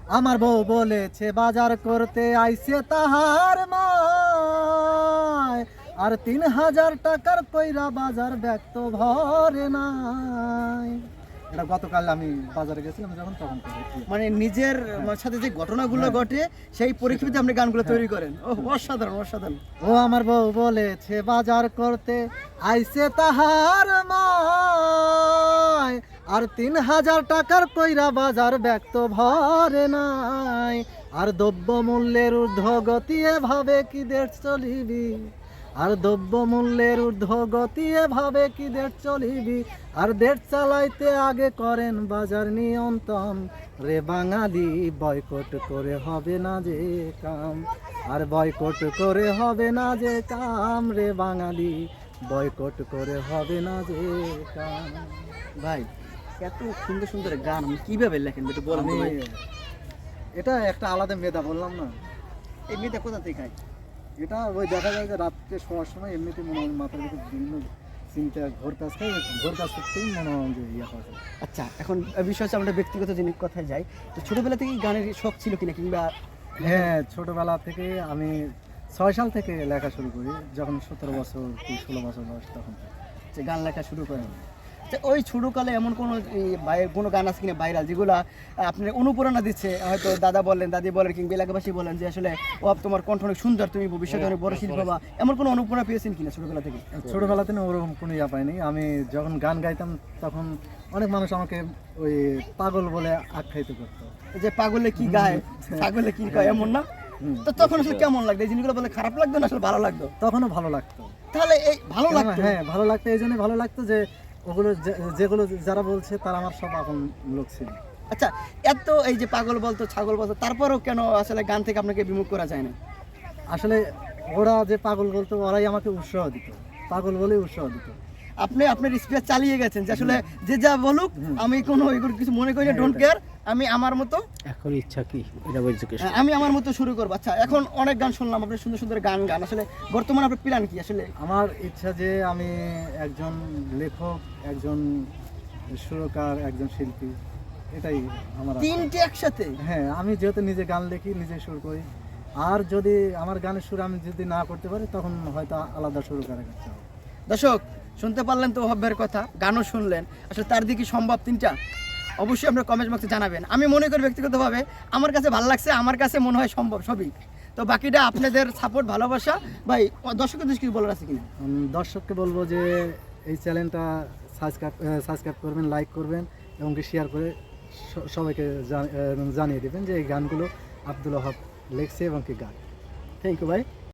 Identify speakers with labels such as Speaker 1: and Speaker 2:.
Speaker 1: আমার বউ বলেছে বাজার করতে আইছে তাহার মায়, আর ৩,০০০ টাকার কইরা বাজার ব্যাগ তো ভরে নাই। এটা গতকাল আমি বাজারে গেছিলাম যখন তখন করেছি।
Speaker 2: মানে নিজের সাথে যে ঘটনাগুলো ঘটে সেই পরিপ্রেক্ষিতে আপনি গানগুলো তৈরি করেন। ও অসাধারণ অসাধারণ।
Speaker 1: ও আমার বউ বলেছে বাজার করতে আইছে তাহার মায়, আর ৩,০০০ টাকার কইরা বাজার ব্যাগ তো ভরে নাই। আর দ্রব্য মূল্যের ঊর্ধ্বগতি এভাবে কি দেশ চলিবি, আর দ্রব্য মূল্যের ঊর্ধ্বগতি এভাবে কি দেশ চলিবি, আর দেশ চালাইতে আগে করেন বাজার নিয়ন্ত্রণ। রে বাঙালি বয়কট করে হবে না যে কাম, আর বয়কট করে হবে না যে কাম, রে বাঙালি বয়কট করে হবে না যে কাম।
Speaker 2: ভাই এত সুন্দর সুন্দর গান আপনি কিভাবে লেখেন একটু বলেন তো
Speaker 1: আমি
Speaker 2: ভাই।
Speaker 1: এটা একটা আলাদা মেধা বললাম না,
Speaker 2: এই মেয়েটা কোথা থেকে খায়?
Speaker 1: এটা ওই দেখা যায় যে রাত্রে শোয়ার সময় এমনিতে মনে হয় মাথার ভিতরে বিভিন্ন চিন্তা ঘোর কাজ খায়, ঘোর কাজ করতেই মনে হয় যে ইয়ে হয়।
Speaker 2: আচ্ছা এখন বিষয় হচ্ছে আমরা ব্যক্তিগত জিনিস কথায় যাই, তো ছোটবেলা থেকেই গানের শখ ছিল কিনা, কিংবা
Speaker 1: হ্যাঁ, ছোটবেলা থেকে আমি ৬ সাল থেকে লেখা শুরু করি, যখন ১৭ বছর কি ১৬ বছর বয়স তখন থেকে।
Speaker 2: যে গান লেখা শুরু করেন। আচ্ছা ওই ছোটকালে এমন কোনো গান আছে কিনা ভাইরাল, যেগুলো আপনার অনুপ্রেরণা দিচ্ছে, হয়তো দাদা বলেন দাদি বলেন কিংবা এলাকাবাসী বলেন যে আসলে ও তোমার কণ্ঠ অনেক সুন্দর, তুমি ভবিষ্যতে অনেক বড় শিল্পী হবা, এমন কোনো অনুপ্রেরণা পেয়েছেন কিনা ছোটবেলা থেকে?
Speaker 1: ছোটবেলাতে না ওরকম কোনো ইয়া পাইনি। আমি যখন গান গাইতাম তখন অনেক মানুষ আমাকে ওই পাগল বলে আখ্যায়িত করতো।
Speaker 2: যে পাগলে কি গায়, পাগলে কি গায়, এমন না?
Speaker 1: হুম।
Speaker 2: তো তখন আসলে কেমন লাগতো এই জিনিসগুলো বলে? খারাপ লাগতো না আসলে ভালো লাগতো?
Speaker 1: তখনও ভালো লাগতো।
Speaker 2: তাহলে এই ভালো লাগতো।
Speaker 1: হ্যাঁ, ভালো লাগতো, এই জন্যই ভালো লাগতো যে ওগুলো যেগুলো যারা বলছে তারা আমার সব আপন লোক ছিল।
Speaker 2: আচ্ছা এত এই যে পাগল বলতো ছাগল বলতো, তারপরেও কেন আসলে গান থেকে আপনাকে বিমুখ করা যায় না?
Speaker 1: আসলে ওরা যে পাগল বলতো ওরাই আমাকে উৎসাহ দিত, পাগল বলেই উৎসাহ দিত।
Speaker 2: আপনি আপনার স্পিচ চালিয়ে গেছেন যে আসলে যে যা বলুক আমি কোনো এগুলো কিছু মনে করি না, ডোন্ট কেয়ার, আমি আমার মতো
Speaker 3: এখন ইচ্ছা কি এটা বলছে কি?
Speaker 2: আমি আমার মতো শুরু করবো। আচ্ছা এখন অনেক গান শুনলাম, আপনি সুন্দর সুন্দর গান গান, আসলে বর্তমানে আপনার প্ল্যান কি আসলে?
Speaker 1: আমার ইচ্ছা যে আমি একজন লেখক, একজন সুরকার, একজন শিল্পী, এটাই আমার আশা।
Speaker 2: তিনটে একসাথে?
Speaker 1: হ্যাঁ, আমি যেহেতু নিজে গান লিখি, নিজে সুর করি, আর যদি আমার গানের সুর আমি যদি না করতে পারি তখন হয়তো আলাদা সুরকারের কাছে যাবো।
Speaker 2: দর্শক শুনতে পারলেন তো ওহাবের কথা, গানও শুনলেন, আসলে তার দিকে সম্ভব তিনটা? অবশ্যই আপনার কমেন্ট বক্সে জানাবেন। আমি মনে করি ব্যক্তিগতভাবে আমার কাছে ভালো লাগছে, আমার কাছে মনে হয় সম্ভব সবই। তো বাকিটা আপনাদের সাপোর্ট ভালোবাসা। ভাই দর্শকের দৃষ্টি বলার আছে কিনা?
Speaker 1: দর্শককে বলবো যে এই চ্যানেলটা সাবস্ক্রাইব করবেন, লাইক করবেন এবং শেয়ার করে সবাইকে জানিয়ে দেবেন যে এই গানগুলো আব্দুল ওহাব লিখছে এবং কি গান।
Speaker 2: থ্যাংক ইউ ভাই।